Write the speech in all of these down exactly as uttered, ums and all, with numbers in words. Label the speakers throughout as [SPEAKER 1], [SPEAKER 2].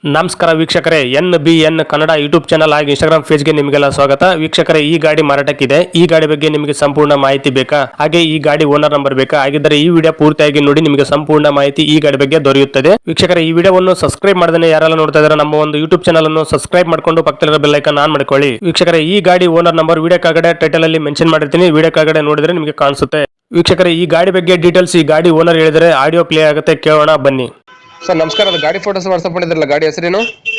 [SPEAKER 1] ನಮಸ್ಕಾರ ವೀಕ್ಷಕರೇ, N B N Kannada YouTube channel ಹಾಗೂ ಇನ್ಸ್ಟಾಗ್ರಾಮ್ ಪೇಜ್ಗೆ ನಿಮಗೆಲ್ಲ ಸ್ವಾಗತ. ವೀಕ್ಷಕರೇ, ಈ ಗಾಡಿ ಮಾರಾಟಕ್ಕಿದೆ. ಈ ಗಾಡಿ ಬಗ್ಗೆ ನಿಮಗೆ ಸಂಪೂರ್ಣ ಮಾಹಿತಿ ಬೇಕಾ, ಹಾಗೆ ಈ ಗಾಡಿ ಓನರ್ ನಂಬರ್ ಬೇಕಾ? ಹಾಗಿದ್ದರೆ ಈ ವಿಡಿಯೋ ಪೂರ್ತಿಯಾಗಿ ನೋಡಿ, ನಿಮಗೆ ಸಂಪೂರ್ಣ ಮಾಹಿತಿ ಈ ಗಾಡಿ ಬಗ್ಗೆ ದೊರೆಯುತ್ತದೆ. ವೀಕ್ಷಕರೇ, ಈ ವಿಡಿಯೋವನ್ನು ಸಬ್ಸ್ಕ್ರೈಬ್ ಮಾಡದೇ ಯಾರೆಲ್ಲ ನೋಡ್ತಾ ಇದ್ದಾರೆ ನಮ್ಮ ಒಂದು ಯೂಟ್ಯೂಬ್ ಚಾನಲ್ ಅನ್ನು ಸಬ್ಸ್ಕ್ರೈಬ್ ಮಾಡ್ಕೊಂಡು ಪಕ್ಕದಲ್ಲಿರೋ ಬೆಲ್ ಐಕಾನ್ ಆನ್ ಮಾಡ್ಕೊಳ್ಳಿ. ವೀಕ್ಷಕರೇ, ಈ ಗಾಡಿ ಓನರ್ ನಂಬರ್ ವಿಡಿಯೋ ಕೆಳಗಡೆ ಟೈಟಲ್ ಅಲ್ಲಿ ಮೆನ್ಷನ್ ಮಾಡಿರ್ತೀನಿ, ವಿಡಿಯೋ ಕೆಳಗಡೆ ನೋಡಿದ್ರೆ ನಿಮಗೆ ಕಾಣಿಸುತ್ತೆ. ವೀಕ್ಷಕರೇ, ಈ ಗಾಡಿ ಬಗ್ಗೆ ಡೀಟೇಲ್ಸ್ ಈ ಗಾಡಿ ಓನರ್ ಹೇಳಿದರೆ ಆಡಿಯೋ ಪ್ಲೇ ಆಗುತ್ತೆ, ಕೇಳೋಣ ಬನ್ನಿ.
[SPEAKER 2] ಸರ್ ನಮಸ್ಕಾರ, ಅದು ಗಾಡಿ ಫೋಟೋಸ್ ವಾಟ್ಸಪ್ ಮಾಡಿದ್ರಲ್ಲ, ಗಾಡಿ ಹೆಸರೇನು?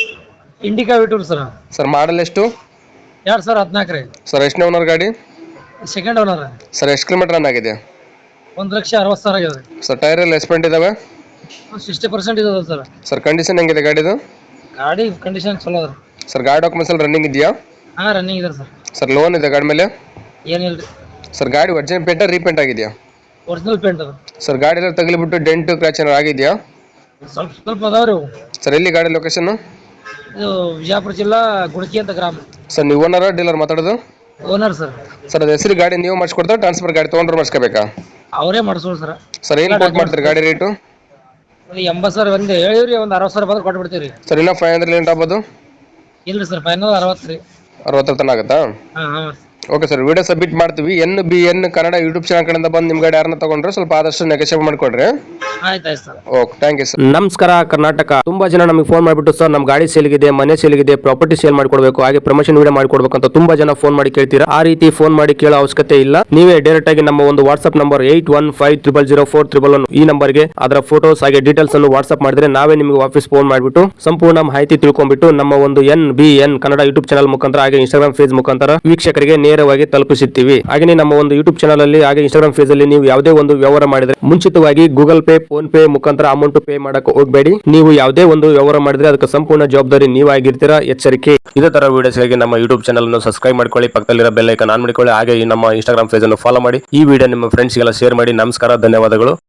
[SPEAKER 3] ಇಂಡಿಕಾ ವಿಟೂರ್ ಸರ್.
[SPEAKER 2] ಸರ್ ಮಾಡಲ್ ಎಷ್ಟು?
[SPEAKER 3] ಎರಡು ಸಾವಿರ ಹದಿನಾಲ್ಕು ರೀ.
[SPEAKER 2] ಸರ್ ಎಷ್ಟನೇ ಓನರ್ ಗಾಡಿ?
[SPEAKER 3] Second owner.
[SPEAKER 2] ಸರ್ ಎಷ್ಟು ಕಿಲೋಮೀಟರ್ ರನ್ ಆಗಿದೆ?
[SPEAKER 3] ಒಂದು ಲಕ್ಷ ಅರವತ್ತು ಸಾವಿರ ಆಗಿದೆ.
[SPEAKER 2] ಸರ್ ಟೈರ್ ಎಲ್ಲ ಎಸ್ಪೆಂಟ್ ಇದಾವೆ?
[SPEAKER 3] ಸಿಕ್ಸ್ಟಿ ಪರ್ಸೆಂಟ್ ಇದೆ ಸರ್.
[SPEAKER 2] ಸರ್ ಕಂಡೀಷನ್ ಹೆಂಗಿದೆ ಗಾಡಿದು?
[SPEAKER 3] ಗಾಡಿ ಕಂಡೀಷನ್ ಚಲೋ ಅದ.
[SPEAKER 2] ಸರ್ ಗಾಡಿ ಡಾಕ್ಯುಮೆಂಟ್ಸ್ ಎಲ್ಲ ರನ್ನಿಂಗ್ ಇದೆಯಾ?
[SPEAKER 3] ಹಾಂ, ರನ್ನಿಂಗ್ ಇದೆ ಸರ್.
[SPEAKER 2] ಸರ್ ಲೋನ್ ಇದೆ ಗಾಡಿ ಮೇಲೆ?
[SPEAKER 3] ಏನಿಲ್ಲ ರೀ.
[SPEAKER 2] ಸರ್ ಗಾಡಿ ಒರಿಜಿನಲ್ ಪೇಂಟ ರೀಪೇಂಟ್ ಆಗಿದೆಯಾ?
[SPEAKER 3] ಒರಿಜಿನಲ್ ಪೇಂಟ್ ಅದ.
[SPEAKER 2] ಸರ್ ಗಾಡಿ ಎಲ್ಲ ತಗಲಿಬಿಟ್ಟು ಡೆಂಟ್ ಕ್ರ್ಯಾಚ್ ಏನಾರು ಆಗಿದೆಯಾ?
[SPEAKER 3] ಸ್ವಲ್ಪ ಸ್ವಲ್ಪ ಅದಾವ ರೀ.
[SPEAKER 2] ಸರ್ ಎಲ್ಲಿ ಗಾಡಿ ಲೊಕೇಶನ್?
[SPEAKER 3] ಇದು ವಿಜಯಪುರ ಜಿಲ್ಲಾ ಗುಣಕಿ ಅಂತ ಗ್ರಾಮ.
[SPEAKER 2] ಸರ್ ನೀವು ಓನರ್ ಡೀಲರ್ ಮಾತಾಡೋದು?
[SPEAKER 3] Owner sir.
[SPEAKER 2] ಸರ್ ಅದು ಹೆಸರು ಗಾಡಿ ನೀವು ಮಾಡಿಸ್ಕೊಡ್ತಾರೆ, ಟ್ರಾನ್ಸ್ಫರ್ ಗಾಡಿ ತೊಗೊಂಡ್ರೆ ಮಾಡಿಸ್ಕೋಬೇಕಾ?
[SPEAKER 3] ಅವರೇ ಮಾಡಿಸೋರು ಸರ್.
[SPEAKER 2] ಸರ್ ಏನು ಕೋಟ್ ಮಾಡ್ತೀರಿ ಗಾಡಿ ರೇಟು?
[SPEAKER 3] ಒಂದು ಎಂಬತ್ತು ಸಾವಿರ ಒಂದು ಹೇಳಿವ್ರಿ, ಒಂದು ಅರವತ್ತು ಸಾವಿರ ಬಂದ್ರೆ ಕೊಟ್ಟು ಬಿಡ್ತೀವಿ ರೀ.
[SPEAKER 2] ಸರ್ ಇನ್ನೂ ಫೈವ್ ಹಂಡ್ರೆಡ್ ಲೇಟ್ ಆಗ್ಬೋದು?
[SPEAKER 3] ಇಲ್ಲ ರೀ ಸರ್, ಫೈನಲ್ ಅರವತ್ತು ರೀ.
[SPEAKER 2] ಅರವತ್ತರ ತನಕ ಆಗುತ್ತಾ?
[SPEAKER 3] ಹಾಂ ಹಾಂ.
[SPEAKER 2] ಓಕೆ ಸರ್, ವಿಡಿಯೋ ಸಬ್ಮಿಟ್ ಮಾಡ್ತೀವಿ. N B N Kannada YouTube channel ಕಡೆಯಿಂದ ಬಂದು ನಿಮ್ಮ ಗಾಡಿ ಯಾರನ್ನ ತಗೊಂಡ್ರೆ ಸ್ವಲ್ಪ ಆದಷ್ಟು ನೆಗೋಷಿಯೇಟ್ ಮಾಡಿಕೊಡ್ರಿ.
[SPEAKER 3] ಆಯ್ತು ಆಯ್ತು ಸರ್.
[SPEAKER 2] Okay, thank you sir.
[SPEAKER 1] ನಮಸ್ಕಾರ ಕರ್ನಾಟಕ. ತುಂಬಾ ಜನ ನಮಗೆ ಫೋನ್ ಮಾಡಿಬಿಟ್ಟು ಸರ್ ನಮ್ಮ ಗಾಡಿ ಸೇಲ್ಗಿದೆ, ಮನೆ ಸೇಲ್ಗಿದೆ, ಪ್ರಾಪರ್ಟಿ ಸೇಲ್ ಮಾಡ್ಕೊಡ್ಬೇಕು, ಹಾಗೆ ಪ್ರಮೋಷನ್ ವಿಡಿಯೋ ಮಾಡ್ಕೊಡ್ಬೇಕು ಅಂತ ತುಂಬಾ ಜನ ಫೋನ್ ಮಾಡಿ ಕೇಳ್ತೀರಾ. ಆ ರೀತಿ ಫೋನ್ ಮಾಡಿ ಕೇಳೋ ಅವಶ್ಯಕತೆ ಇಲ್ಲ. ನೀವೇ ಡೈರೆಕ್ಟ್ ಆಗಿ ನಮ್ಮ ಒಂದು WhatsApp number eight one five triple zero four triple one ಈ ನಂಬರ್ಗೆ ಅದರ ಫೋಟೋಸ್ ಹಾಗೆ ಡೀಟೇಲ್ಸ್ ಅನ್ನು ವಾಟ್ಸ್ಆಪ್ ಮಾಡಿದ್ರೆ ನಾವೇ ನಿಮಗೆ ವಾಪಸ್ ಫೋನ್ ಮಾಡಿಬಿಟ್ಟು ಸಂಪೂರ್ಣ ಮಾಹಿತಿ ತಿಳ್ಕೊಂಡ್ಬಿಟ್ಟು ನಮ್ಮ ಒಂದು N B N Kannada YouTube channel ಮುಖಾಂತರ ಹಾಗೆ ಇನ್ಸ್ಟಾಗ್ರಾಮ್ ಪೇಜ್ ಮುಖಾಂತರ ವೀಕ್ಷಕರಿಗೆ ನೇರವಾಗಿ ತಲುಪಿಸುತ್ತೀವಿ. ಹಾಗೆ ನಮ್ಮ ಒಂದು ಯೂಟ್ಯೂಬ್ ಚಾನಲ್ ಅಲ್ಲಿ ಹಾಗೆ ಇನ್ಸ್ಟಾಗ್ರಾಮ್ ಪೇಜ್ ಅಲ್ಲಿ ನೀವು ಯಾವುದೇ ಒಂದು ವ್ಯವಹಾರ ಮಾಡಿದ್ರೆ ಮುಂಚಿತವಾಗಿ ಗೂಗಲ್ ಪೇ, ಫೋನ್ ಪೇ ಮುಖಾಂತರ ಅಮೌಂಟ್ ಪೇ ಮಾಡಕ್ಕೆ ಹೋಗಬೇಡಿ. ನೀವು ಯಾವುದೇ ಒಂದು ವ್ಯವಹಾರ ಮಾಡಿದ್ರೆ ಅದಕ್ಕೆ ಸಂಪೂರ್ಣ ಜವಾಬ್ದಾರಿ ನೀವಾಗಿರ್ತೀರಾ, ಎಚ್ಚರಿಕೆ. ಇದೇ ತರ ವಿಡಿಯೋಸ್ಗಾಗಿ ನಮ್ಮ ಯೂಟ್ಯೂಬ್ ಚಾನಲ್ ಅನ್ನು ಸಬ್ಸ್ಕ್ರೈಬ್ ಮಾಡ್ಕೊಳ್ಳಿ, ಪಕ್ಕದಲ್ಲಿರೋ ಬೆಲ್ ಐಕಾನ್ ಆನ್ ಮಾಡಿಕೊಳ್ಳಿ, ಹಾಗೆ ಈ ನಮ್ಮ ಇನ್ಸ್ಟಾಗ್ರಾಮ್ ಪೇಜ್ ಅನ್ನು ಫಾಲೋ ಮಾಡಿ. ಈ ವಿಡಿಯೋ ನಿಮ್ಮ ಫ್ರೆಂಡ್ಸ್ಗೆಲ್ಲ ಶೇರ್ ಮಾಡಿ. ನಮಸ್ಕಾರ, ಧನ್ಯವಾದಗಳು.